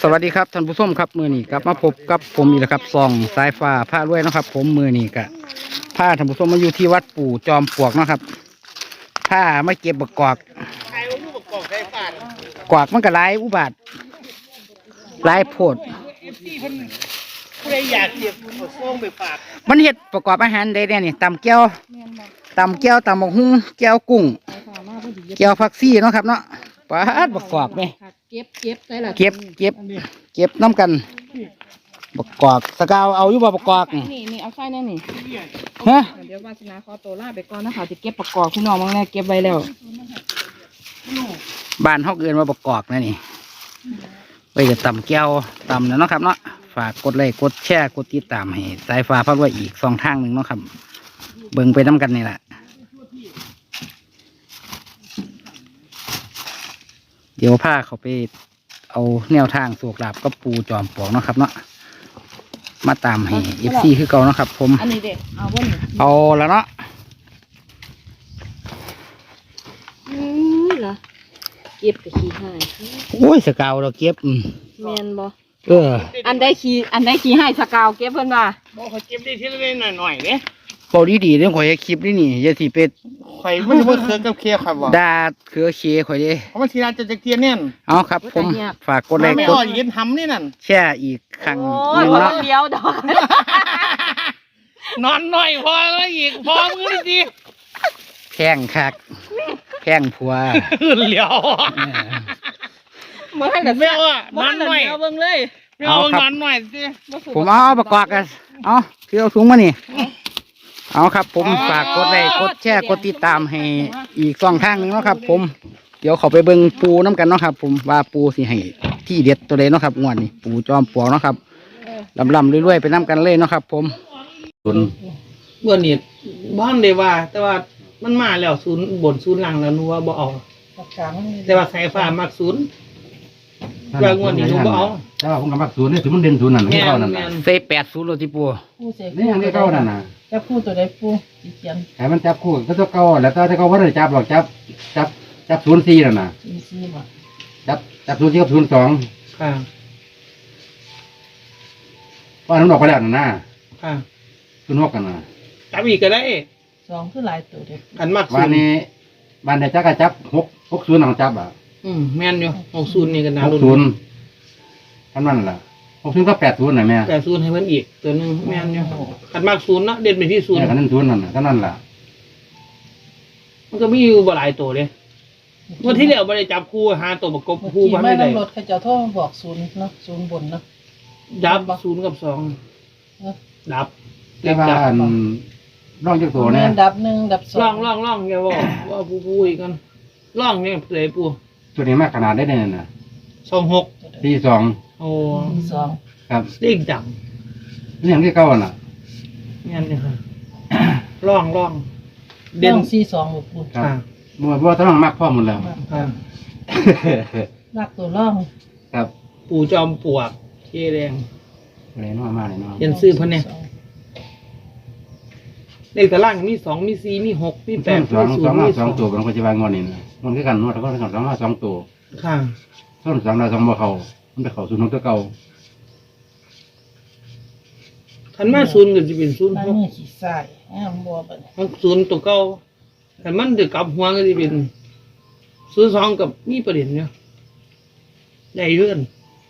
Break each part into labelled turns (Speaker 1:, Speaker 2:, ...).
Speaker 1: สวัสดีครับท่านผู้ชมครับมือนี้กลับมาพบกับผมอีกแล้วครับส่องสายฟ้าผ้ารวยนะครับผมมือนี้กะผ้าท่านผู้ชมมาอยู่ที่วัดปู่จอมปลวกนะครับผ้าไม่เก็บบักกอกกอกมันก็หลายอุบาทหลายโพด
Speaker 2: ผู้ใดอยากเก็บส่งไปฝาก
Speaker 1: มันเฮ็ดประกอบอาหารได้แน่นี่ตำแก้วตำหมกหุ้งแก้วกุ้งแก้วผักซี่เนาะครับเนาะปลาดบักกอกไหมเก็บน้ำกันบักกอกสกาวเอาอยู่บ่บักกอก
Speaker 3: นี่เอาไส้แน่นี่
Speaker 1: ฮะ
Speaker 3: เดี๋ยววาสนาขอตัวลาไปก่อนนะคะจะเก็บประกอบพี่น้องมั้งแน่เก็บไว้แล้ว
Speaker 1: บ้านเฮาเกินว่าบักกอกนะนี่ไว้จะตำแก้วตำเนาะครับเนาะฝากกดไลค์กดแชร์กดติดตามให้สายฟ้าพารวยอีก2 ทางหนึ่งเนาะครับเบิ่งไปน้ำกันนี่แหละเดี๋ยวพาเขาไปเอาแนวทางโศกลาบกับปูจอมปลวกเนาะครับเนาะมาตามให้FCคือเก่าเนาะครับผม
Speaker 3: อันนี้เด็กเอาบ่น
Speaker 1: เอาแล้วเนาะ
Speaker 3: เหรอเก็บกับขี้ให้
Speaker 1: โอ้ยสกาวเราเก็บ
Speaker 3: แมนบ่อันได้ขี้ให้สกาวเก็บเพิ่นว่า
Speaker 2: บอกเขาเก็บได้ทีละเล็กหน่อยเนี่ย
Speaker 1: พอดีเรื่องข่อยคลิปนี่อย่าสิเป็ด
Speaker 2: ข่อยมันจะว่าเครือกับเครือครับว่า
Speaker 1: ดาเครือเคข่อยดิ
Speaker 2: เพราะมันทีละจะเคลียร์เนี่ย
Speaker 1: เอาครับผมฝากกดไลค์
Speaker 2: กดยืนทำนี่นั่น
Speaker 1: แช่อีกครั้ง
Speaker 3: นึงเนาะเดียวดอก
Speaker 2: นอนหน่อยพอแล้วอีกพอมือดี
Speaker 1: แข้งคักแข้งผัว
Speaker 2: เหลียว
Speaker 3: มาให้กับ
Speaker 2: แมวอ่ะนอนหน่อย
Speaker 3: เอาเบิ่งเลย
Speaker 2: เอานอนหน่อยสิ
Speaker 1: ผมเอาประกอบกันเอาคือเอาถุงมานี่เอาครับผมฝากกดไลค์กดแชร์กดติดตามให้อีก2 ทางหนึ่งเนาะครับผมเดี๋ยวเขาไปเบิ่งปูน้ำกันเนาะครับผมว่าปูสิให้ที่เด็ดตัวเลยเนาะครับงวดนี้ปูจอมปลวกเนาะครับลำรวยๆไปน้ำกันเลยเนาะครับผม
Speaker 2: เมื่อนี้บ้านเลยว่าแต่ว่ามันมาแล้วศูนย์บนศูนย์หลังแล้วนัวบ่เอาแต่ว่าสายฟ้ามักศูนย์ว่างวดนี้นัวบ่เอา
Speaker 1: แต่ว่าผมก็มักศูนย์นี่ถึงมันเด่นศูนย์นั่นให้เข้านั่นเซ80โลที่ปูนี่ยังได้เข้านั่นน่ะ
Speaker 3: จับคู่ตัวใดปูเขียน
Speaker 1: ให้มันจับคู่ก็ต้องเก่าแล้วถ้าเขาว่าได้จับหรอกจับ04นั่นน่ะ
Speaker 3: 04บ่
Speaker 1: จับ04กับ02
Speaker 2: ค่ะ
Speaker 1: ว่าน้ำดอกไปแล้วนั่นน่ะ
Speaker 2: ค่ะ
Speaker 1: 06กันน่ะ
Speaker 2: จับอีกก็ได้
Speaker 3: 2คือหลายตัวเด้
Speaker 2: อันมัก
Speaker 1: วันนี้บ้านได้จักก็จับ60นั่งจับอ่ะ
Speaker 2: แม่นอยู่60นี่ก็น่าลุ้น
Speaker 1: 60คันนั้นล่ะ60กับ80น่ะแม่
Speaker 2: 80ให้มันอีกตัวนึงแม่นอยู่คันมัก0เนาะเด่นไปที่0
Speaker 1: คันนั้น0นั่นน่ะคันนั้นล่ะ
Speaker 2: มันก็มีอยู่บ่หลายตัวเด้วันที่แล้วบ่ได้จับคู่หาตัวประกบคู่บ่ได้
Speaker 3: รถเขาจะโทรบอก0เนาะ0บนเนาะ
Speaker 2: ดับ0กับ2ดับ
Speaker 1: แต่ว่าร่องจักตัวเนี่ย
Speaker 3: ดับ1ดับ2
Speaker 2: ร่องอย่าบอกว่าผู้อีกกันร่องเนี่ยเลยปู่
Speaker 1: ตัวนี้มากขนาดได้เนี่ยน่ะ
Speaker 2: 26
Speaker 1: 42
Speaker 2: โอ้
Speaker 1: 2ครับ
Speaker 2: เลขดัง
Speaker 1: นี่อย่างที่เก่าน่ะ
Speaker 2: งั้นนี่ค่ะร่อง
Speaker 3: เด่น42ปู่
Speaker 1: ครับบ่ต้องมักพร้อมหมดแล้ว
Speaker 2: ครับ
Speaker 3: มักตัวร่อง
Speaker 1: ครับ
Speaker 2: ปู่จอมปลวกเคแดง
Speaker 1: อะไรน้อยมากเลยเนาะ
Speaker 2: เขียนชื่อเพิ่นเนี่ยเลขตารางมี2มี4มี6มี8มี0มี
Speaker 1: 2ตัวบางคนจะวางงอนนี่นะมันคือกันนวดแล้วก็2ตัว
Speaker 2: ค่ะ
Speaker 1: ส่วน2เรา2บ่เข้ามันไปเข้า0ตัวเก่า
Speaker 2: คันมา0ก็สิเป็น06
Speaker 3: นี่ขี้ทรายบ่บัด
Speaker 2: 0ตัวเก่าคันมันจะกลับหัวก็สิเป็น02กับมีประเด็นอยู่ได้เรื่อง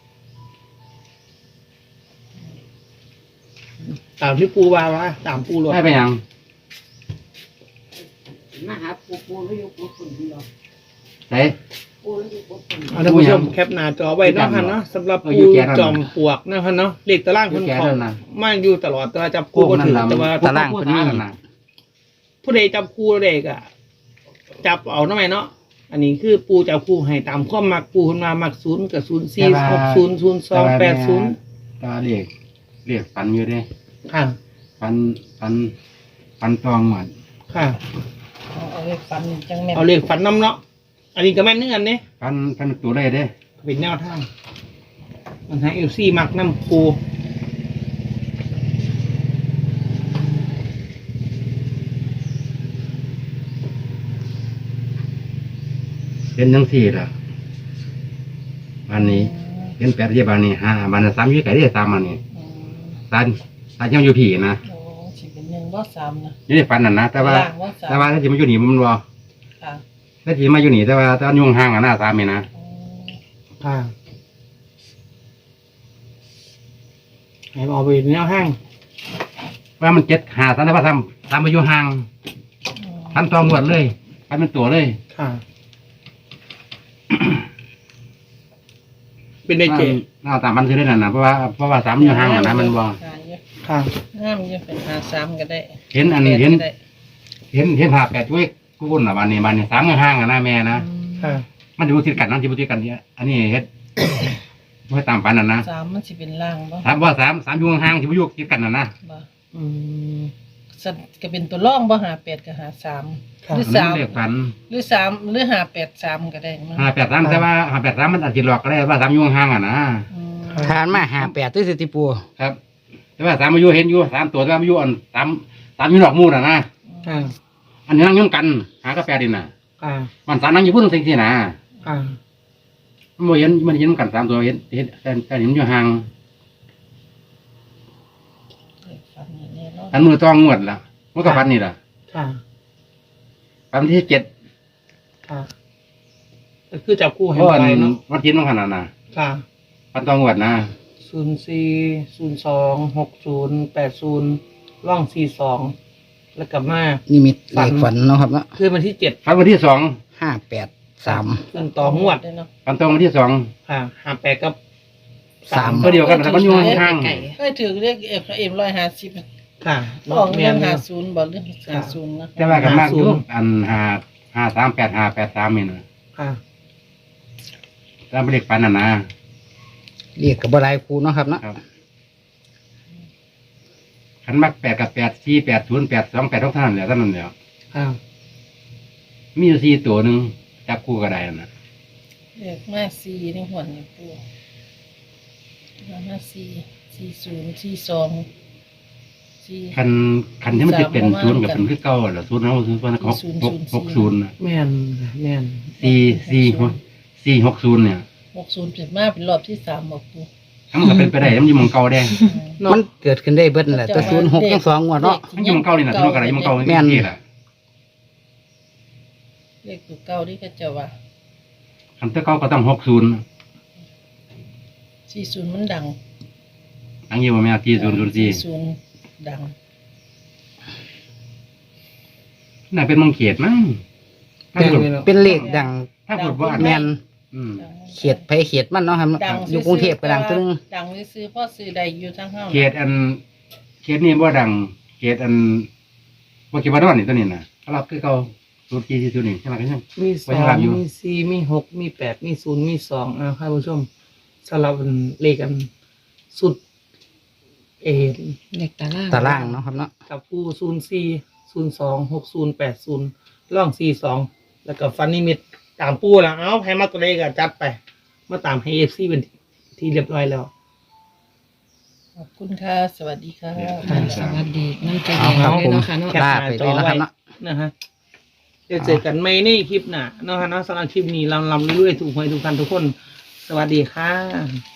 Speaker 2: ตามที่ปูว่าตามปูหลด
Speaker 1: ได้ไปยัง
Speaker 3: มาหาปูแล้วอยู่ปูฝุ่นเดียว
Speaker 1: ใช่
Speaker 2: ท่านผู้ชมแคปหน้าจอไว้เนาะค่ะเนาะสำหรับปูจอมปลวกนะคะเนาะเลขตารางคนเขามาอยู่ตลอดแต่ว่าจับคู่ก็ถือแต่ว่า
Speaker 1: ตารางคนนี้
Speaker 2: ผู้ใดจับคู่เด็กอ่ะจับเอาทำไมเนาะอันนี้คือปูจับคู่ให้ตามข้อมักปูขึ้นมามัก0กับ04 60 02 80
Speaker 1: ก็เรียกฝันอยู่เด้
Speaker 2: ค่ะ
Speaker 1: ฝันตองหมด
Speaker 2: ค่ะ
Speaker 3: เอาเลขฝันจังแม่
Speaker 2: เอาเลขฝันน้ำเนาะอันนี้ก็แม่นเนื้อเนี่ย
Speaker 1: ฝันตัวได้เด้
Speaker 2: เป็นแนวทางมันให้FCมักน้ำปู
Speaker 1: เป็นจังซี่ล่ะวันนี้
Speaker 4: เห็น8ที่บ้านนี่5บ้าน3อยู่ไกลได้3มันนี่ตายังอยู่พี่นะ
Speaker 5: โอ้สิเป็น1บ่3นะ
Speaker 4: อยู่ในฝันนั่นนะแต่ว่า
Speaker 5: ล่างบ่3
Speaker 4: ถ้าสิมาอยู่นี่มันบ่
Speaker 5: ค่ะ
Speaker 4: ถ้าสิมาอยู่นี่แต่ว่ายุ่งห่างกันหน้า3นี่นะ
Speaker 2: ค่ะให้เอาไปแนวห้าง
Speaker 4: ว่ามัน7 5 3แต่ว่า3มาอยู่ห่างทันตองวดเลยทันเป็นตัวเลย
Speaker 2: ค่ะ เป็นได้เจ
Speaker 4: เอาตามมันคือได้นั่นน่ะเพราะว่า3อยู่ห่างกันนะมันบ่
Speaker 2: ค่ะ
Speaker 5: งามอยู่เป็น53ก็ได้
Speaker 4: เห็นภาพ8ช่วยกูวุ่นน่ะบ้านนี้3อยู่ห่างกันนะแม่นะ
Speaker 2: ค่ะ
Speaker 4: มันอยู่ติดกันนั่นสิบ่ติดกันเนี่ยอันนี้เฮ็ดบ่ตามฝันนั่นนะ
Speaker 5: 3มันสิเป็นล่างบ่
Speaker 4: ถามว่า3อยู่ห่างสิบ่อยู่ติดกันนั่นนะ
Speaker 5: บ่
Speaker 2: อืม
Speaker 5: สัตว์ก็เป็นตัวร่องบ่58กับ53
Speaker 2: ค่ะ
Speaker 5: หรือ
Speaker 4: มันเลขฝัน
Speaker 5: 3หรือ3หรือ583ก็ได้มั้ง
Speaker 4: 583แต่ว่า583มันอาจสิหลอกก็ได้ว่า3อยู่ห่างอ่ะนะ
Speaker 5: อืม
Speaker 1: ทานมา58ตื้อสิติปู
Speaker 4: ครับ แต่ว่า3มาอยู่เห็นอยู่3ตัวแต่ว่ามาอยู่อัน3อยู่นอกหมู่น่ะนะ
Speaker 2: ค่ะ
Speaker 4: อันนี้นั่งยุ่งกันหากับ8ดินน่ะ
Speaker 2: ค่ะ
Speaker 4: มัน3นั่งอยู่พุ่นจังซี่นะ
Speaker 2: ค่ะ
Speaker 4: มันบ่เห็นกัน3ตัวเห็นแต่เห็นอยู่ห่าง
Speaker 5: ฝันนี่แน่เนาะ
Speaker 4: อันมือต้องงวดล่ะมันก็ฝันนี่ล่ะ
Speaker 2: ค่ะ
Speaker 4: ฝันที่7
Speaker 2: ค่ะก็คือจับคู่
Speaker 4: เพ
Speaker 2: ให้
Speaker 4: ราะอัน
Speaker 2: ไปเนาะ
Speaker 4: วันที่มันขนาดน่ะ
Speaker 2: ค่ะ
Speaker 4: ฝันต้องงวดนะ
Speaker 2: 04 02 60 80ร่อง42แล้วกลับมา
Speaker 1: นิมิตเลขฝันเนาะครับเนาะ
Speaker 2: คือวันที่7
Speaker 4: ฝันวันที่
Speaker 1: 583
Speaker 2: ขึ้นต่องวด
Speaker 5: ได้เนาะ
Speaker 4: 2ฝันตรงวันที่2
Speaker 2: ค่ะ58กับ
Speaker 1: 3
Speaker 4: ตัวเดียวกันแต่มันอยู่ห่าง
Speaker 5: เอ้ยถือเลขเอ็ม150
Speaker 2: ค่ะ
Speaker 5: ออก
Speaker 2: เมี
Speaker 5: เรื่
Speaker 2: ย
Speaker 5: อง
Speaker 2: น
Speaker 5: 50บ่เรื่อง50นะ
Speaker 4: แต่ว่ากันมากอยู่อัน538 583นี่นะ
Speaker 2: ค่ะ
Speaker 4: ตามเลขฝันน่ะนะ
Speaker 1: เรียกกับบ่หลายคู่เนาะครับเนาะ
Speaker 4: ครับขันมัก8กับ8 4 8 0 8 2 8 6เท่านั้นแหละเท่านั้นแหละ
Speaker 2: ค่ะ
Speaker 4: มีอยู่4ตัวหนึงจับคู่ก็ได้นั่นน่ะ
Speaker 5: เลขมา4ในหัวนี่ปู่มา4 40 42
Speaker 4: คันที่มันจะเป็น0กับเป็นคือเก่าแหละ0เฮา0มัน60น่ะ
Speaker 2: แม่นแม่น
Speaker 4: 460เนี่ย
Speaker 5: 60เป็นมาเป็นรอบที่3บ่ปู่
Speaker 4: ถ้ามันก็เป็นไปได้มันอยู่หม่องเก่าแดง
Speaker 1: มันเกิดขึ้นได้เบิดนั่นแหละแต่06ทั้ง2งวดเนาะ
Speaker 4: มันอยู่หม่องเก่านี่น่ะที่มันก็ได้อยู่หม่องเก่า
Speaker 1: แม่น
Speaker 4: นี่แหละ
Speaker 5: เลขตัวเก่าที่เขาเจ้าว่า
Speaker 4: คันแต่เก่าก็ต้อง60
Speaker 5: 40มันดัง
Speaker 4: อังอยู่บ่แม่4004
Speaker 5: 40ดัง
Speaker 4: น่าเป็นมังเขตมั้งถ้าพูด
Speaker 1: เป็นเลขดัง
Speaker 4: ถ้าพูดว่าอัน
Speaker 1: แม่น
Speaker 4: อืม
Speaker 5: ดัง
Speaker 1: เขตไผเขตมันเนาะครับ
Speaker 5: ดัง
Speaker 1: อยู่กรุงเทพก็ดังตัวนึง
Speaker 5: ดังซื้อพ่อซื้อใดอยู่ทั้งเฮา
Speaker 4: เขตนี้บ่ดังเขตบ่คิดว่าดอนนี่ตัวนี้น่ะเขารับคือเก่า04 40นี่ใช่มั้ยครับ
Speaker 2: มี
Speaker 4: ไว้ให้รับอยู่
Speaker 2: 2มี4มี6มี8มี0มี2ท่านผู้ชมสำหรับเลขกันสุด
Speaker 3: เลขตาราง
Speaker 1: ตารางเนาะครับเนาะ
Speaker 2: กับผู้04 02 60 80ร่อง42แล้วก็ฟันนิมิตตามปูแล้วเอาให้มาตัวเลขก็จัดไปมาตามให้ FC เป็นที่เรียบร้อยแล้ว
Speaker 5: ขอบคุณค่ะ สวัสดีค่ะ
Speaker 3: ค่ะสวัสดีน้ำใจ
Speaker 1: เอาครับ
Speaker 3: เลย
Speaker 1: ผม
Speaker 3: เนาะค่ะเนาะ
Speaker 1: ลาไปเลยนะครับเนาะ
Speaker 2: นะฮะเดี๋ยวเจอกันไม่ในคลิปหน้าเนาะฮะเนาะสำหรับคลิปนี้ลำเรื่อยๆถูกหวยถูกกันทุกคน สวัสดีค่ะ